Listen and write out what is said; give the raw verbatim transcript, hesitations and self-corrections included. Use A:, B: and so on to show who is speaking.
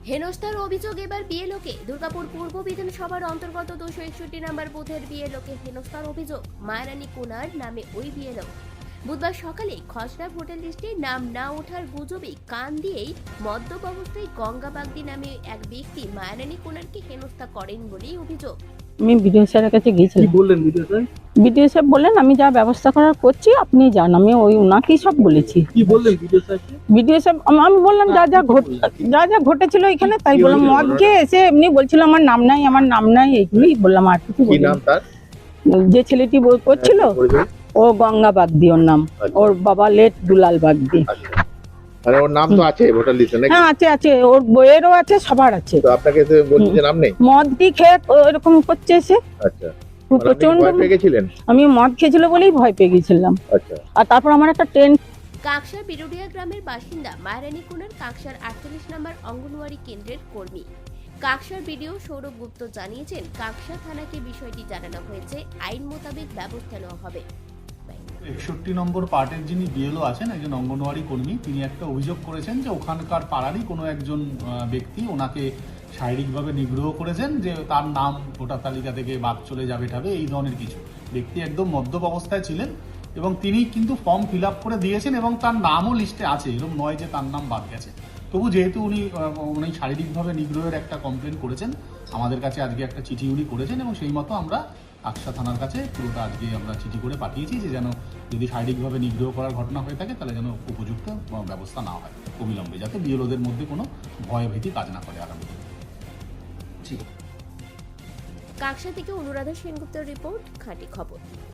A: হেনস্থার অভিযোগ এবার বিএলওকে। দুর্গাপুর পূর্ব বিধানসভার অন্তর্গত দুশো একষট্টি নম্বর বুথের বিএলওকে হেনস্থার অভিযোগ। মায়ারানী কুনার নামে ওই বিএলও বুধবার সকালে খসড়া ভোটার লিস্টে নাম না ওঠার গুজবে কান দিয়েই মদ্যপ অবস্থায় গঙ্গা বাগদি নামে এক ব্যক্তি মায়ারানী কুনারকে হেনস্থা করেন বলেই অভিযোগ।
B: আমি বিডিও স্যারের কাছে গিয়েছিলাম।
C: কি বললেন বিডিও স্যার?
B: বিডিও স্যার বললেন আমি যা ব্যবস্থা করার করছি আপনি যান। আমি ওই ওনাকেই সব বলেছি।
C: কি বললেন বিডিও স্যার?
B: বিডিও স্যার আমি বললাম যা যা ঘট যা যা ঘটেছিল এখানে তাই বললাম। মদ খেয়ে এসে এমনি বলছিল আমার নাম নাই আমার নাম নাই এইগুলোই বললাম, আর কিছু
C: কি
B: বলিনি।
C: নাম তার?
B: যে ছেলেটি বই করছিল ও গঙ্গা বাগদি, ওর নাম। ওর বাবা লেট দুলাল বাগদি।
C: মানে ওর নাম তো আছে ভোটার লিস্টে নাকি?
B: হ্যাঁ আছে আছে, ওর বইয়েরও আছে, সবার আছে।
C: তো আপনাকে তো বলছি যে নাম নেই।
B: মদ কি খেয়ে এরকম করছে এসে।
C: আচ্ছা,
B: প্রচন্ড
C: ভয় পেয়ে গেছিলেন?
B: আমি মদ খেয়েছিল বলেই ভয় পেয়ে গেছিলাম।
C: আচ্ছা,
B: আর তারপর আমার একটা ট্রেন।
A: কাকসার বিরুডিয়া গ্রামের বাসিন্দা মায়ারানী কুনার কাকসার আটচল্লিশ নম্বর অঙ্গনওয়াড়ি কেন্দ্রের কর্মী। কাকসার বিডিও সৌরভ গুপ্ত জানিয়েছেন, কাকসা থানাকে বিষয়টি জানানো হয়েছে, আইন মোতাবেক ব্যবস্থা নেওয়া হবে।
D: একষট্টি নম্বর পার্টের যিনি বিএলও আছেন, একজন অঙ্গনওয়াড়ি কর্মী, তিনি একটা অভিযোগ করেছেন যে ওখানকার পাড়ারই কোনো একজন ব্যক্তি ওনাকে শারীরিকভাবে নিগ্রহ করেছেন, যে তার নাম ভোটার তালিকা থেকে বাদ চলে যাবে ঠাবে এই ধরনের কিছু। ব্যক্তি একদম মদ্যপ অবস্থায় ছিলেন এবং তিনি কিন্তু ফর্ম ফিল আপ করে দিয়েছেন এবং তার নামও লিস্টে আছে, এরকম নয় যে তার নাম বাদ গেছে। তবু যেহেতু উনি উনি শারীরিকভাবে নিগ্রহের একটা কমপ্লেন করেছেন, আমাদের কাছে আজকে একটা চিঠি উনি করেছেন এবং সেই মতো আমরা আকসা থানার কাছে পুরোটা আজকে আমরা চিঠি করে পাঠিয়েছি যে যেন যদি শারীরিকভাবে নিগ্রহ করার ঘটনা হয়ে থাকে তাহলে যেন উপযুক্ত ব্যবস্থা না হয় অবিলম্বে, যাতে বিএলওদের মধ্যে কোনো ভয় ভীতি কাজ না করে আগামী দিনে।
A: কাকসা থেকে অনুরাধা সেনগুপ্তের রিপোর্ট, খাঁটি খবর।